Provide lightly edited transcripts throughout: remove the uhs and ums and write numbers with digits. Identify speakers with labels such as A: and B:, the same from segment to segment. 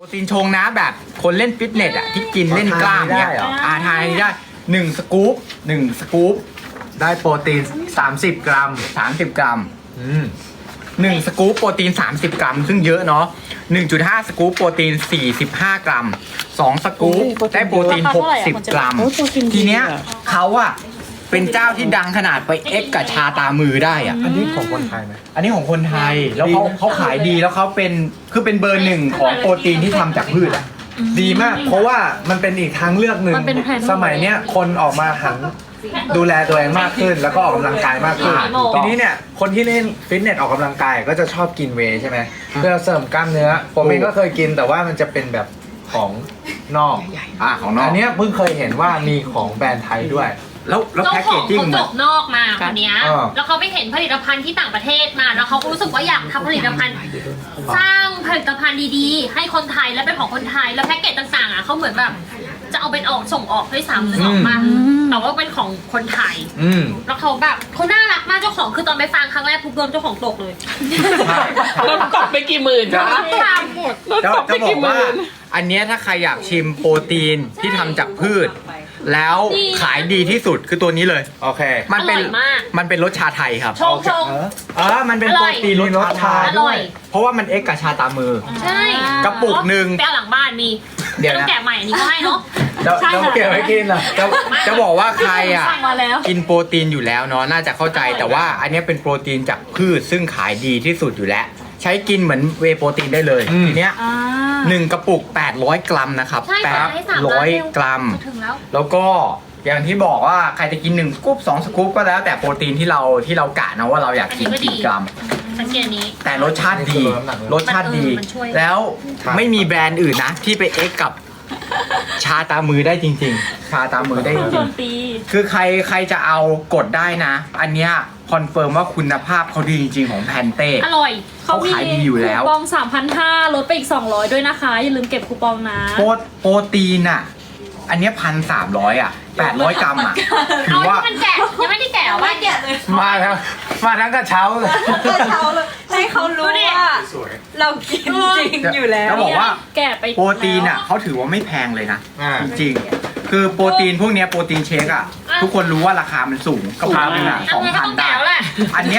A: โปรตีนชงนะแบบคนเล่นฟิตเนสอ่ะที่กินเล่นกล้ามเนี่ยทานได้1 สกู๊ป1 สกู๊ป
B: ได้โปรตีน30 กรัม
A: 30 กรัม1 สกู๊ปโปรตีน30 กรัมซึ่งเยอะเนาะ1.5 สกู๊ปโปรตีน45 กรัม2 สกู๊ปได้โปรตีน60 กรัมทีเนี้ยเขาอะเป็นเจ้าที่ดังขนาดไปเอ็กกับชาตามือได้อะ
B: อันนี้ของคนไทยไหม
A: อันนี้ของคนไทยแล้วเขาขายดีแล้วเขาเป็นเบอร์ 1ของโปรตีนที่ทำจากพืชอะ
B: ดีมาก เพราะว่ามันเป็นอีกทางเลือกหนึ่ง
C: มันเป็นแผน
B: สมัยเนี้ยคนออกมาหันดูแลตัวเองมากขึ้น แล้วก็ออกกำลังกายมากขึ้น ทีนี้เนี่ยคนที่เล่นฟิตเนสออกกำลังกายก็จะชอบกินเวย์ใช่ไหมเพื่อเสริมกล้ามเนื้อผมเองก็เคยกินแต่ว่ามันจะเป็นแบบของนอก
A: ของนอก
B: อันเนี้ยเพิ่งเคยเห็นว่ามีของแบรนด์ไทยด้วย
A: แล้ว
D: เจ้า
A: แพ็ก
D: ข
A: เก
D: อ
A: จ
D: ง
A: จิ้ง
D: เขาจบนอกมาคนเนี้ย
B: อ่า
D: แล้วเขาไปเห็นผลิตภัณฑ์ที่ต่างประเทศมา แล้วเขาก็รู้สึกว่าอยากทำผลิตภัณฑ์ สร้างผลิตภัณฑ์ดีๆ ให้คนไทยและเป็นของคนไทย แล้วแพ็กเกจต่างๆอ่ะเขาเหมือนแบบจะเอาเป็นออกส่งออกด้วยซ้ำนึกออกมาแต่ว่าเป็นของคนไทย แล้วเขาแบบเขาน่ารักมากเจ้าของคือตอนไปฟังครั้งแรกปุ๊บโดนเจ้าของตกเลย
C: รถตกไปกี่หมื่นคะ
D: ตามหมด
C: รถ
A: จะ
C: ตกไป
A: จะบอ
C: กี่
A: ก
C: ห
A: ว่า
C: มื่น
A: อันเนี้ยถ้าใครอยากชิมโปรตีนที่ทำจากพืช แล้วขายดีที่สุดคือตัวนี้เลย
B: โอเค
A: มันเป็น
D: อร่อยมาก
A: มันเป็นรสชาไทยครับ
D: ชงชง
A: มันเป็น
D: อร่
A: โปร
D: อย
A: ตีนรสชา
D: อร่อย
A: เพราะว่ามันเอ็กกับชาตามือ
D: ใช่
A: กระปุกหนึ่ง
D: ไปเอาหลังบ้านมี
A: เดี๋ยว
D: ไม่ต้อ
A: นะ
D: งแกะใหม่อันนี้ก็ให้เนาะ
A: จะเก็บไว้กินอ่ะจะบอกว่าใครอ่ะ
C: สั่งมาแล้ว
A: กินโปรตีนอยู่แล้วเนาะน่าจะเข้าใจแต่ว่าอันเนี้ยเป็นโปรตีนจากพืชซึ่งขายดีที่สุดอยู่แล้ว ใช้กินเหมือนเวย์โปรตีนได้เลยทีเนี้ย1 กระปุก800 กรัมนะครับ
D: ใช่ค่ะให้300
A: 800 กรัม
D: จะถึงแล้ว
A: แล้วก็อย่างที่บอกว่าใครจะกิน1 สกู๊ป2 สกู๊ปก็แล้วแต่โปรตีนที่เรากะนะว่าเราอยากกินกี่กรัม
D: สังเกตอันนี้
A: แต่รสชาติดี รสชาติดี
D: มันช่วย
A: แล้วไม่มีแบรนด์อื่นนะที่ไปเอ็กกับชาตามือได้จริงๆ ชาตามือได้จริงๆคือใครจะเอากดได้นะ อันเนี้ยคอนเฟิร์มว่าคุณภาพเขาดีจริงๆของแพนเต้
D: อร่อย
A: เขาขายดีอยู่แล้ว
C: คูปอง 3,500 ลดไปอีก 200 ด้วยนะคะ อย่าลืมเก็บคูปองนะ
A: โปรตีนอ่ะ อันเนี้ย1,300อ่ะ800 กรัมอ่ะถื
D: เอา
A: อว่า
D: ที่มันแกะยังไม่ได้แกะว่าแกะเลย
B: มาแล้วมาทั้งกระเช้าเลย
E: เช้าเลยให้เขารู้ว่าเรากินจริงอยู่แล้ว
A: แล้วบอกว่า
C: แกะไป
A: โปรตีนอ่ะเขาถือว่าไม่แพงเลยนะ
B: อ่า
A: จริงๆ คือโปรตีนพวกเนี้ยโปรตีนเชคอ่ะ ทุกคนรู้ว่าราคามันสูงกระเพราหนึ่งอ่ะ
D: เอาเงินก็ต้อง
A: 2,000 ได้
D: แกะแล้วแหละ
A: อันเนี้ย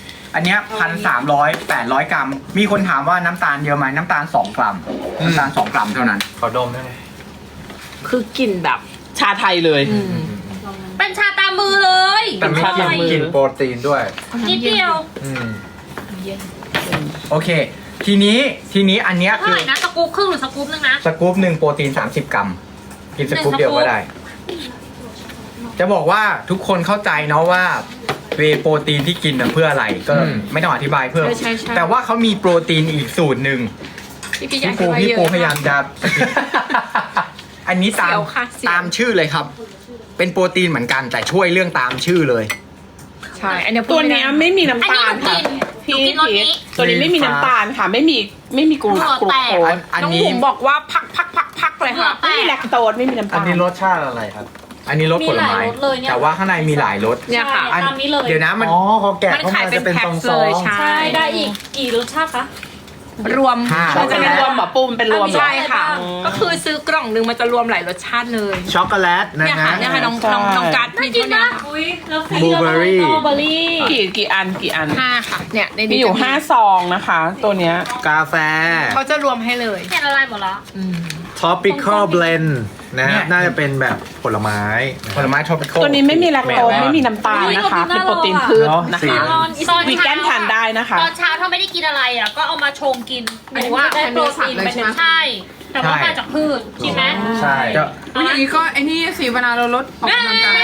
A: 1,300 800 กรัม มีคนถามว่าน้ำตาลเยอะไหมน้ำตาล 2 กรัม น้ำตาล 2 กรัมเท่านั้น
B: ขอดมได้ไหม
F: คือกลิ่นแบบชาไทยเลย
D: เป็นชาตามมือเลย
B: แต่ไม่กิน
F: มือ
B: กินโปรตีนด้วย
D: นิดเดียว
B: อืม
A: โอเค ทีนี้อันเนี้ย
D: เท่า
A: คือ
D: ไหร่นะสกู๊ปครึ่งหรือสกู๊ปนึงนะ
A: สกู๊ปหนึ่งโปรตีน 30 กรัม กินสกู๊ป
D: 1
A: เดียวก็ได้ จะบอกว่าทุกคนเข้าใจเนาะว่าเวย์โปรตีนที่กินน่ะเพื่ออะไร ก็ไม่ต้องอธิบายเพิ่ม
C: ใช่
A: แต่ว่าเขามีโปรตีนอีกสูตรหนึ่ง พี่ปูพยายามจะ อันนี้ตาม
C: เสียวค่ะเสียว
A: ตามชื่อเลยครับ เป็นโปรตีนเหมือนกันแต่ช่วยเรื่องตามชื่อเลย
C: ใช่ อันเนี้ยพู
F: ตั
C: ด
F: ว
C: ไม่ได้
F: เนี้ยไม่มีน้ำตาล
D: อัน
F: ค่ะ
D: นี้หนูกินรสนี้
F: ตัวนี้ไม่มีน้ำตาลค่ะ ไม่มีกลู
D: เหงื่อ
F: โค
D: แตก
F: ส
A: อัน
F: น้อง
A: นี้
F: บุ๋มบอกว่าพักเลยค่ะ
D: เหงื่อแตก
F: ไม่มีแลคโตสไม่มีน้ำ
B: อัน
F: ตาล
B: นี้รสชาติอะไรครับ
A: อันนี้รสผลไม้
C: มีหลายรสเลยเนี่ย
A: แต่ว่าข้างในมีหลายรส
F: เนี่ยค่ะ
C: ใช่ตามนี้เลย
A: เดี๋ยวนะมัน
B: อ๋อเขาแกะ
F: มัน
B: เข้า
F: ขาย
B: มา
F: เป็
B: จะ
F: น
B: เป็น
F: แพ็ค
B: ซอง
F: เลย
B: ๆ
F: ใช่
C: ใช่ ได้อีกกี่รสชาติคะ
F: รวม
A: ห้า
F: มันจะเป็นรวมเหรอปูมเป็นรวมเหรอ
C: ใช่ค่ะ
F: ก็คือซื้อกล่องนึงมันจะรวมหลายรสชาติเลย
B: ช็อกโกแลตนะ
F: เนี่ย
B: ฮะ
F: ค่ะเนี่ยค่ะน้องการ์ด
D: น่ากินนะ
C: อุ้ยแล้ว
B: บลูเบอร์รี่
C: สตรอเบอร์รี่
F: กี่อัน5ค่ะเนี่ยใน
E: มี
F: นี้
E: อ
F: อยู่ ยู่5ซองนะคะ ตัวเนี้ย
B: กาแฟ
F: เขาจะรวมให้เลย
D: เห็นอะไรหมดแล้ว
B: tropical blend นะฮะน่าจะเป็นแบบผลไม้
A: ผลไม้ทรอปิคอล
F: ตัวนี้ไม่มีแลคโตสไม่มีน้ำตาลนะคะ เป็นโปรตีนพืชนะ
B: สี
F: คะ
D: ตอน
F: วีแกนทานได้นะคะ
D: ตอนเช้าถ้าไม่ได้กินอะไรอ่ะก็เอามาชงกินหรือว่า
C: ได้โปรตีนไปหนึ่ง
D: ใช่ แต่ว่ามาจากพืชใช่ไหม
B: ใช่
A: จะ
E: วันนี้ก็ไอ้นี่สิเวลาเราลดออกกำลังกาย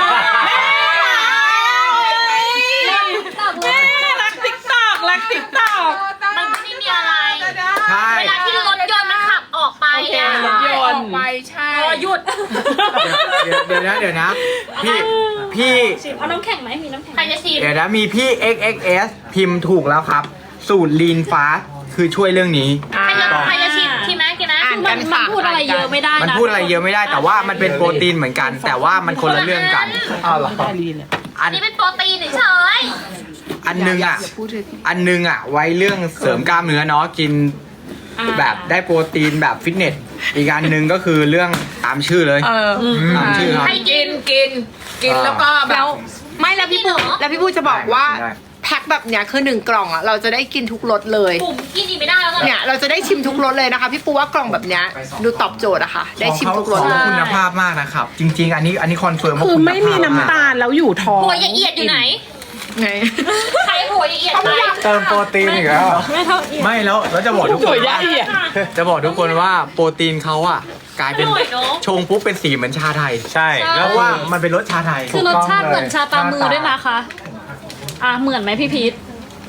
F: รักติ๊กตอกรักติ๊กตอก
D: มันไม่ได้มีอะไร
A: ใช่
D: เวลาที่รถยนต์มันขับออกไปอ่ะ
F: รถยนต์
E: ไปใช่
D: รอหยุด
A: เดี๋ยวนะพี่
C: เอาน้ำแข็งไหมมีน้ำแข็ง
D: ใครจะชิม
A: เดี๋ยวนะมีพี่ XXS พิมพ์ถูกแล้วครับ สูตร Lean Fast คือช่วยเรื่องนี้
D: ใครจะชิมชิมไหมกินไหม
C: มันพูดอะไรเยอะไม่ได้นะ
A: มันพูดอะไรเยอะไม่ได้แต่ว่ามันเป็นโปรตีนเหมือนกัน แต่ว่ามันคนละเรื่องกัน
B: อ้าวเหรอ
A: อัน
D: นี่เป็นโปรตีนเฉย
A: อันหนึงอ่ะไว้เรื่องเสริมกล้ามเนื้อเนาะกินแบบได้โปรตีนแบบฟิตเนสอีกอันหนึ่งก็คือเรื่องตามชื่อเลย ตามชื่อครับ
D: ให้กิ
F: กิ
D: น
F: นกินแล้วก็แบ
E: แล้ว
F: บไม่แล้วพี่ปู
D: จริงเหรอ
F: แล้วพี่ปูจะบอกว่า
A: ได้
F: แพ็คแบบเนี้ยคือ1 กล่องอ่ะเราจะได้กินทุกรสเลย
D: บุ๋มกินอีกไม่ได้แล้ว
F: เนี่ยเราจะได้ชิมทุกรสเลยนะคะพี่ปูว่ากล่องแบบเนี้ยดูตอบโจทย์อะค่ะ ได้ชิมทุกรส
A: ของ
F: เลย
A: เขาคุณภาพมากนะครับ จริง ๆ อันนี้คอนเฟิร์มว่า
G: คือ
A: ณภาพ
G: ไม่มีน้ำตาลแล้วอยู่ท้อง
D: หัวเอียดอยู่ไหน
F: ไง
D: ใครหัวเอียดไป
B: เติมโปรตีนอีกแล้วเหรอ
C: ไม่เท่าเอียด
A: ไม่แล้วจะบอกทุก
G: ส
A: ค
G: วย
A: น
G: ยะ
A: ว่า
G: เอียด
A: จะบอกทุกคนว่าโปรตีนเขาอ่ะกลายเป็น
D: อร่อยเนอะ
A: ชงปุ๊บเป็นสีเหมือนชาไทย
B: ใช่
A: เพ
B: แล้ว
A: ราะว่ามันเป็นรสชาไทย
C: คือรสชาติเหมือนชาตามมือด้วยนะคะเหมือนไหมพี่พีท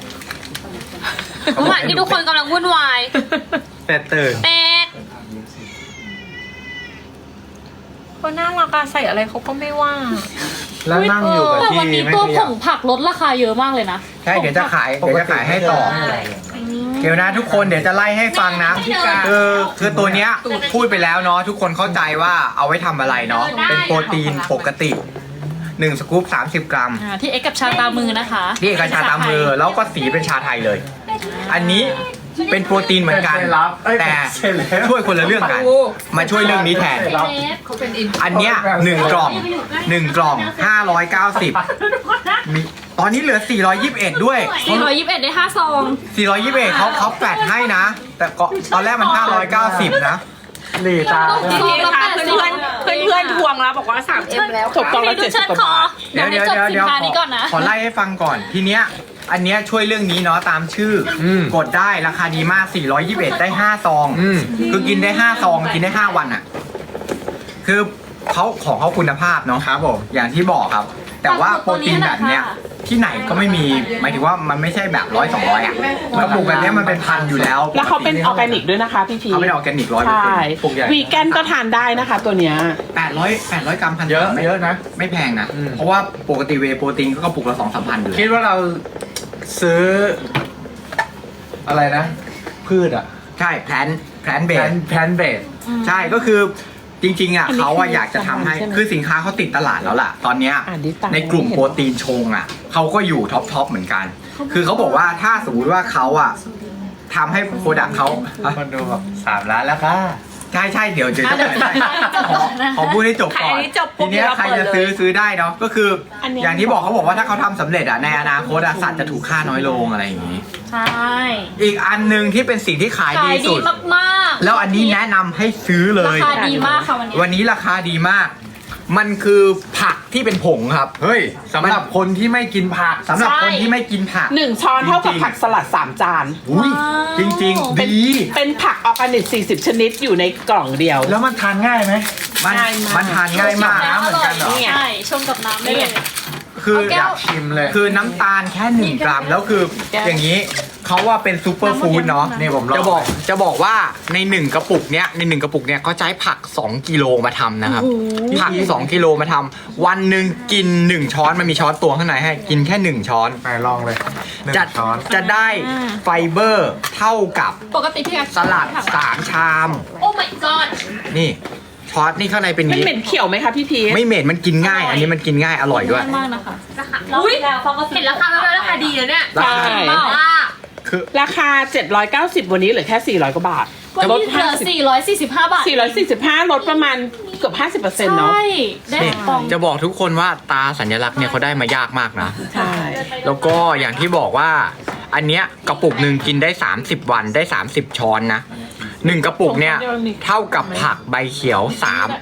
D: ระหว่างที่ทุกคนกำลังวุ่นวาย
B: แต่ตื่น
D: เป็ด
E: เขาน่ารักอะใส่อะไรเขาก็ไม่ว่า
B: แล้วนั่งอยู่กับ
C: แต่
B: ที่
C: วันนี้
B: ไม่
C: ตัว
B: ข
C: ผ
B: ยับ
C: งผักลดราคาเยอะมากเลยนะ
A: ใช่เดี๋ยวจะขายให้ต่อ เดี๋ยวนะทุกคนเดี๋ยวจะไล่ให้ฟังนะคือตัวเนี้ยพูดไปแล้วเนาะทุกคนเข้าใจว่าเอาไว้ทำอะไรเนาะเป็นโปรตีนปกติ1 สกู๊ป30 กรัม
C: ที่เอ็กกับชาตามมือนะคะ
A: นี่เอกชาตามมือแล้วก็สีเป็นชาไทยเลย อันนี้เป็นโปรตีนเหมือนกัน แต่ช่วยคนละเรื่องกัน มาช่วยเรื่องนี้แทน อันเนี้ย1 กล่อง1 กล่อง 590มีตอนนี้เหลือ 421 ด้วย
C: 421 ได้ 5 ซอง
A: 421เขาแฟดให้นะ แต่ก็ตอนแรกมัน 590 นะ
B: หลีตา
F: พี่พีคะเพื่อนๆเพื่อนๆทวงแล้วบอกว่า 3M แล้ว
G: ตกกล่องละ
C: ดูเชิญ
G: 70 กว่า
C: คอบ
G: าท
C: เดี๋ยวจบสินค้านี้ก่อนนะ
A: ขอไล่ให้ฟังก่อน ทีเนี้ยอันเนี้ยช่วยเรื่องนี้เนาะตามชื่ออกดได้ราคาดีมาก 421 ได้ 5 ซอง คือกินได้ 5 ซอง กินได้ 5 วันอ่ะ คือของเขาคุณภาพเนาะ
B: ครับผม
A: อย่างที่บอกครับ แต่ว่าโปรตีนแบบเนี้ยที่ไหนก็ไม่มีหมายถึงว่ามันไม่ใช่แบบ100-200อ่ะกระปุกแบบเนี้ยมันเป็นพันอยู่แล้ว
G: แล้วเขาเป็นออร์แกนิกด้วยนะคะพี่พี
A: เขาเป็นออร์แกนิก
G: ใช่
A: 100%ปลูกใหญ่
G: วีแกนก็ทานได้นะคะตัวเนี้ย
A: 800 กรัมพัน
B: เยอะเยอะนะ
A: ไม่แพงนะ เพราะว่าปกติเวย์โปรตีนก็กระปุกละ 2-3 พันอยู่
B: คิดว่าเราซื้อ อะไรนะ พืชอ่ะ
A: ใช่แพลนเบ
B: แพนเบส
A: ใช่ก็คือจริงๆอ่ะ
G: อันนี้
A: เขาอะ
G: คือ
A: อยากจะทำให้
G: ใช่ไหม
A: คือสินค้าเขาติดตลาดแล้วล่ะ ตอนเนี้ย
G: อ่านดิตาม
A: ในกลุ่มโปรตีนชงอ่ะเขาก็อยู่ท็อปเหมือนกัน คือเขาบอกว่าถ้าสมมติว่าเขาอ่ะทำให้โปรดักต์เขา
B: คนดูแบบ3 ล้านแล้วค่ะ
A: ใช่เดี๋ยวจะ
C: เดี๋ยวจะ
A: ขอพูดให้จบก่อน
F: ขายอันนี้จบปุ๊
A: ที
F: บ
A: เนี้ย
F: เดี๋ยวเรา
A: ใครจะ
F: เปิดเลย
A: ซื้อได้เนาะก็คืออน
G: เนี้ย
A: อย่างที่บอกเขาบอกว่าถ้าเขาทำสำเร็จอ่ะในอนาคตอะสัตว์จะถูกฆ่าน้อยลงอะไรอย่างนี้
C: ใช่
A: อีกอันหนึ่งที่เป็นสิ่งที่ขาย
C: ขา
A: ดี
C: ยดี
A: สุด
C: มากๆ
A: แล้วอันนี้แนะนำให้ซื้อเล
C: ราย คาดีมากค่ะวันนี้
A: วันนี้ราคาดีมาก มันคือผักที่เป็นผงครับ
B: เฮ้ยสำหรับคนที่ไม่กินผัก
A: สำหรับคนที่ไม่กินผัก
G: 1 ช้อนเท่ากับผักสลัด 3 จาน
A: อุ้ยจริงๆ ดี
G: เป็นผักออร์แกนิก 40 ชนิดอยู่ในกล่องเดียว
B: แล้วมันทานง่ายไหม
A: มัน
G: ง่ายมาก
A: มันทานง่ายมาก
C: น้ำ
B: เหมือนกันเหรอ
C: ใช่ชงกับน้ำได้เลย
A: คือ
C: เอาแก้
B: อยากชิมเลย
A: คือน้ำตาลแค่1 กรัม แล้วคืออย่างนี้เขาว่าเป็นซูเปอร์ฟู้ดเนาะ
B: นี่ผมลอง
A: จะบอกว่าใน1 กระปุกเนี้ยใน1 กระปุกเนี้ยเขาใช้ผัก 2 กิโลมาทำนะครับ ผัก 2 กิโลมาทำวันหนึ่งกิน 1 ช้อนมันมีช้อนตวงข้างในให้กินแค่ 1 ช้อน
B: ไหนลองเลยหนึ่ง
A: จะ
B: ช้อน
A: จะได้ไฟเบอร์เท่ากับ
C: ปกติพี่แอ
A: สลัด3 ชาม
D: โอ้ my god
A: นี่ช้อนนี่ข้างในเป็น
G: มัน
A: นี้
G: เหม็นเขียวไหมคะพี่พี
A: ไม่เหม็นมันกินง่าย อันนี้มันกินง่ายอร่อยด้วย
C: มากนะคะ
D: ราคาอุ้ยเห็นราคาแล้วราคาดีเลยเนี่ย
A: ราคา
G: ใช่
D: ว่า
A: คือ
G: ราคา 790 วันนี้เหลือแค่ 400 กว่าบาท
C: วัน
G: ลด
C: นี้เหลือ445 บาท
G: 445 ลดประมาณเกือบ 50%เนาะ
C: ใช่ได้
A: นี่
C: ฟอง
A: จะบอกทุกคนว่าตาสัญลักษณ์เนี่ยเขาได้มายากมากนะ
G: ใช่
A: แล้วก็อย่างที่บอกว่า อันเนี้ยกระปุกหนึ่งกินได้ 30 วันได้ 30 ช้อนนะ1 กระปุกเนี่ยเท่ากับผักใบเขียว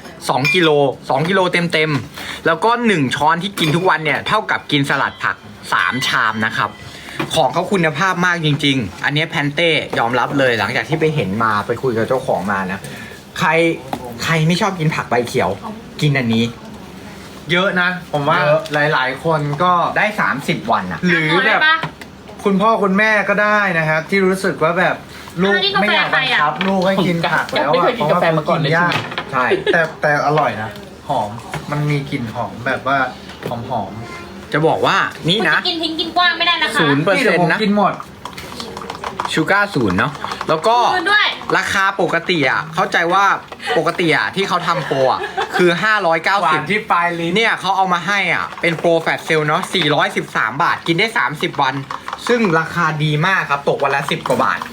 A: 2 กิโล 2 กิโลเต็มๆแล้วก็ 1 ช้อนที่กินทุกวันเนี่ยเท่ากับกินสลัดผัก 3 ชามนะครับของเขาคุณภาพมากจริงๆ อันเนี้ยแพนเต้ยอมรับเลยหลังจากที่ไปเห็นมาไปคุยกับเจ้าของมานะใครไม่ชอบกินผักใบเขียวกินอันนี้
B: เยอะนะ ผมว่า
A: เยอะ
B: หลายๆ คนก็
A: ได้ 30 วันอะ
B: หรือแบบ
D: ปะ
B: คุณพ่อคุณแม่ก็ได้นะครับ ที่รู้สึกว่าแบบลูก
D: อันนี้กาแฟ
B: ไม่อยากบังคับ
D: ใครอะ
B: ลูกให้กินผักแล้ว
G: ไม่
B: อะ
G: เคยกินกาแฟมาก่อนเลย
B: พระว่
A: ใช่
B: แต่อร่อยนะ หอมมันมีกลิ่นหอมแบบว่าหอม
A: จะบอกว่านี่
D: คุณ
A: นะ
D: จะกินทิ้งกินกว้างไม่ได้นะคะ
A: 0%
B: นี่เดี๋ยวผม
A: นะ
B: กินหมด
A: ชูการ์0เนาะแล้วก็
D: คืนด้วย
A: ราคาปกติอ่ะเข้าใจว่าปกติอ่ะที่เขาทำโปรอ่ะคือ
B: หวานที่
A: 590
B: ปลายลิ้น
A: เนี่ยเขาเอามาให้อ่ะเป็นโปรแฟตเซลเนาะ413 บาทกินได้ 30 วัน ซึ่งราคาดีมากครับตกวันละ10 กว่าบาท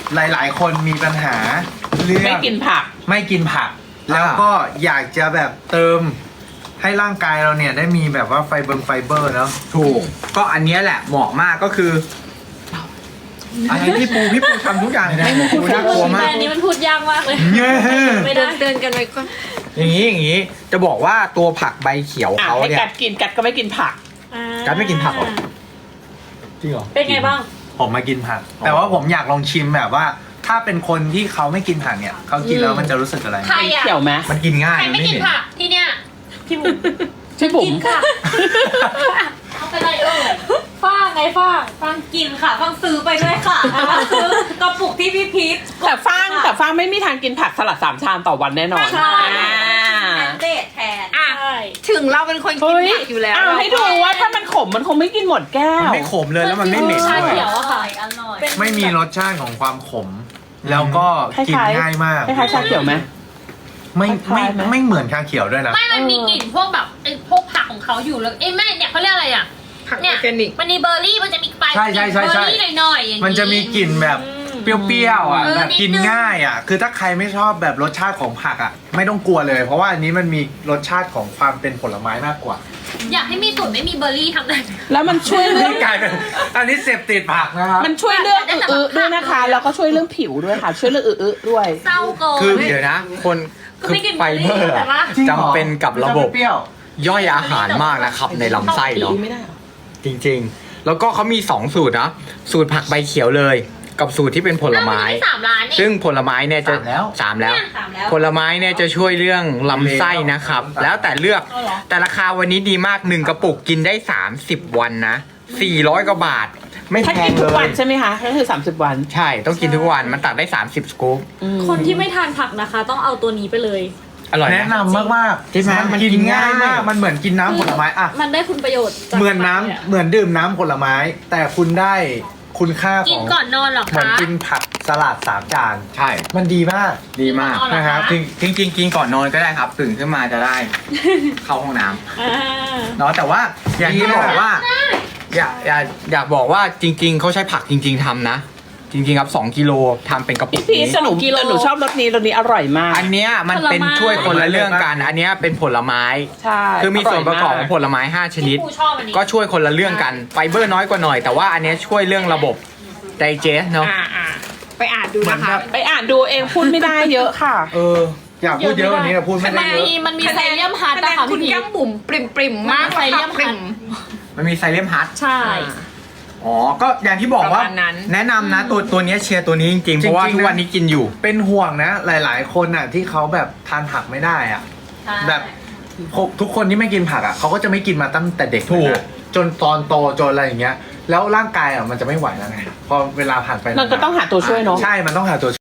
B: หลาย ๆ คนมีปัญหาเรื่อง
G: ไม่กินผัก
B: ไม่กินผัก แล้วก็อยากจะแบบเติมให้ร่างกายเราเนี่ยได้มีแบบว่าไฟเบอร์เนาะ
A: ถูก ก็อันเนี้ยแหละเหมาะมากก็คืออะไรพี่ปูทำทุกอย่างเลยนะปูน่ากลัวมา
C: แต่
A: ก
C: อันนี้มันพูดยากมากเลย
A: เย้
C: ไม่ได้
F: เตือนกันไว้ก่อน
A: อย่างนี้จะบอกว่าตัวผักใบเขียว
G: อ่ะ
A: เขา
G: ให้
A: เนี่ย
G: กัดกินกัดก็ไม่กินผัก
A: กัดไม่กินผักเหรอ จริงเหรอ
C: เป็นไงบ้าง
B: ผมมากินผัก แต่ว่าผมอยากลองชิมแบบว่า ถ้าเป็นคนที่เขาไม่กินผักเนี่ยเขากินแล้วมันจะรู้สึกอะไร
D: ใครอ่ะ
G: เขียวไหม
A: มันกินง่าย
D: ใครไม่กิน
A: เหม็
D: ผักที่เนี้ย
C: พี่บุ๋ม
G: พี่บุ๋ม
D: เอาไปเลย
C: ฟ้างไงฟ้าง
E: ฟังกินค่ะฟังซื้อไปด้วยค่ะฟังซื้อกระปุกที่พี่พีท
G: แต่ฟางไม่มีทางกินผักสลัด3 ชามต่อวันแน่นอน
E: ใช่
G: อ่า
E: แอนเดทแทน
C: ใช่
F: ถึงเราเป็นคนกิน
G: เฮ้ย
F: ผักอยู่แล้ว
G: เอาให้ดูว่าถ้ามันขมมันคงไม่กินหมดแก้
A: มัน
G: ว
A: ไม่ขมเลยแล้วมันไม่เหม็น
C: ชา
A: ด้วย
C: เขียวอะค่ะ
E: อร่อย
B: ไม่มีรสชาติของความขม แล้วก็กินง่ายมาก
G: คล้ายๆชาเขียวไหม
B: ไม่
G: คล้ายๆไหม
B: ไม่เหมือนชาเขียวด้วยนะ
D: ไม่มันมีกลิ่นพวกแบบไอ้พวกผักของเขาอยู่แล้วเอ้ยแม่เนี่ยเขาเรียกอะไรอ่ะ
F: ผักอ
D: เนี่
F: อย ร์แกนิก
D: มันมีเบอร์รี่มันจะมีปลาย
B: ใช่ใช่ใช่ใช่
D: เบอร์รี่หน่อยๆอย่างนี้
B: มันจะมีกลิ่นแบบเปรี้ยวๆอ่ะ
D: เออ
B: แบบ
D: นิดนึง
B: กินง่ายอ่ะ คือถ้าใครไม่ชอบแบบรสชาติของผักอ่ะ ไม่ต้องกลัวเลย เพราะว่าอันนี้มันมีรสชาติของความเป็นผลไม้มากกว่า
D: อยากให้มีสูตรไม่มีเบอร์รี่ทำได้
G: แล้วมันช่วยเรื่อง
B: นี่กลายเป็นอันนี้เสพติดผักนะครับ
G: มันช่วยเรื่องอึๆด้วยนะคะ แล้วก็ช่วยเรื่องผิวด้วยค่ะ ช่วยเรื่องอึๆด้วย
D: เศร้าเกิน
A: คือเดี๋ยวนะ คน
D: ก็
A: คือ
D: ไม่กิน
A: ไฟเบอร์
D: แต่ว่า
A: จำเป็นกับระบบ
B: เปรี้ยว
A: ย่อยอาหารมากนะครับในลำไส้เนาะ
G: ไม่ได้เหรอ
A: จริงๆ แล้วก็เขามี 2 สูตรนะ สูตรผักใบเขียวเลย กับสูตรที่เป็นผลไม้
D: อ้าวนด้3 ล้านนี่
A: ซึ่งผลไม้เนี่ยจะ
B: สามแล้ว
A: 3 แล้ว
E: สามแล้ว
A: ผลไม้เนี่ยจะช่วยเรื่องลำไส้นะครับ แล้วแต่เลือก
C: เอาเหรอ
A: แต่ราคาวันนี้ดีมาก 1 กระปุกกินได้ 30 วันนะ 400 กว่าบาท ไม่
G: ถ้า
A: แพ
G: กิ
A: ง
G: น
A: เล
G: ทุกวัน
A: ย
G: ใช่ไหมคะก็คือ30 วัน
A: ใช่ ต้องกินทุกวัน มันตักได้ 30 สกู๊ป
C: คนที่ไม่ทานผักนะคะ ต้องเอาตัวนี้ไปเลย
A: อร่อย
B: แนะ
A: นะ
B: นำมากๆ
A: ใช่ไหมมัน
B: กิ
A: กิ
B: น
A: น
B: ง่าย
A: ง่าย
B: มาก มันเหมือนกินน้ำผลไม้อ่ะ
C: มันได้คุณประโยชน์จาก
B: เหมือนน้ำ
C: ผักย
B: เหมือนดื่มน้ำผลไม้ แต่คุณได้คุณค่า
D: กิ
B: ข
D: น
B: อง
D: ก่อนนอนเหรอ
B: เหมือน
D: คะ
B: กินผักสลัด3 จาน
A: ใช่
B: มันดีมาก
A: ดีมาก
D: เอาเหรอคะ
B: นะครับ
A: จริงๆกินก่อนนอนก็ได้ครับ ตื่นขึ้นมาจะได้ เข้าห้องน้ำ
C: อ่า
A: เนาะแต่ว่าอย่างที่บอกว่า อยากบอกว่าจริง ๆเขาใช้ผักจริง ๆทำนะ จริง ๆ ครับ 2 กิโลทำเป็นกระปุก
G: พี่
A: นี้
G: สนุกแต่หนูชอบรสนี้อร่อยมาก
A: อันเนี้ยมันเป็นช่วยคนละเรื่องกัน อันเนี้ยเป็นผลไม้
G: ใช่
A: คือมีส่วนประกอบของผลไม้ 5 ชนิด
D: พี่ปูชอบอันนี้
A: ก็ช่วยคนละเรื่องกัน ไฟเบอร์น้อยกว่าหน่อย แต่ว่าอันเนี้ยช่วยเรื่องระบบไดเจสเนาะ
F: ไปอ่านดูนะคะ
G: ไปอ่านดูเองพูดไม่ได้เยอะค่ะ
B: อยากพูดเยอะกว่านี้แต่พูดไม่ได้เยอะ
C: มันมีไซเลียมฮัท
F: คะแน
C: นะ
F: น
C: คะ
F: คุ
C: พี่
F: ณ
C: พี
F: แก้มบุ๋มปริมๆมาก
C: ไซเลียม
F: ปริ
C: ฮัท
F: ม
A: มันมีไซเลมฮัท
C: ใช่
A: อ๋อ ก็อย่างที่บอกว่า
F: ประมาณนั้น
A: แนะนำนะตัวเนี้ยเชียร์ตัวนี้จริงๆ เพราะว่า
B: จริงๆ
A: ทุกวันนี้กินอยู่
B: เป็นห่วงนะ หลาย ๆ คนอ่ะที่เขาแบบทานผักไม่ได้อ่ะ แบบทุกคนที่ไม่กินผักอ่ะเขาก็จะไม่กินมาตั้งแต่เด็ก
A: ถูก
B: นะจนตอนโตจนอะไรอย่างเงี้ย แล้วร่างกายอ่ะมันจะไม่ไหวแล้วไงพอเวลาผ่านไป
G: มันก็ต้องหาตัวช่วยเนาะ
B: ใช่มันต้องหาตัว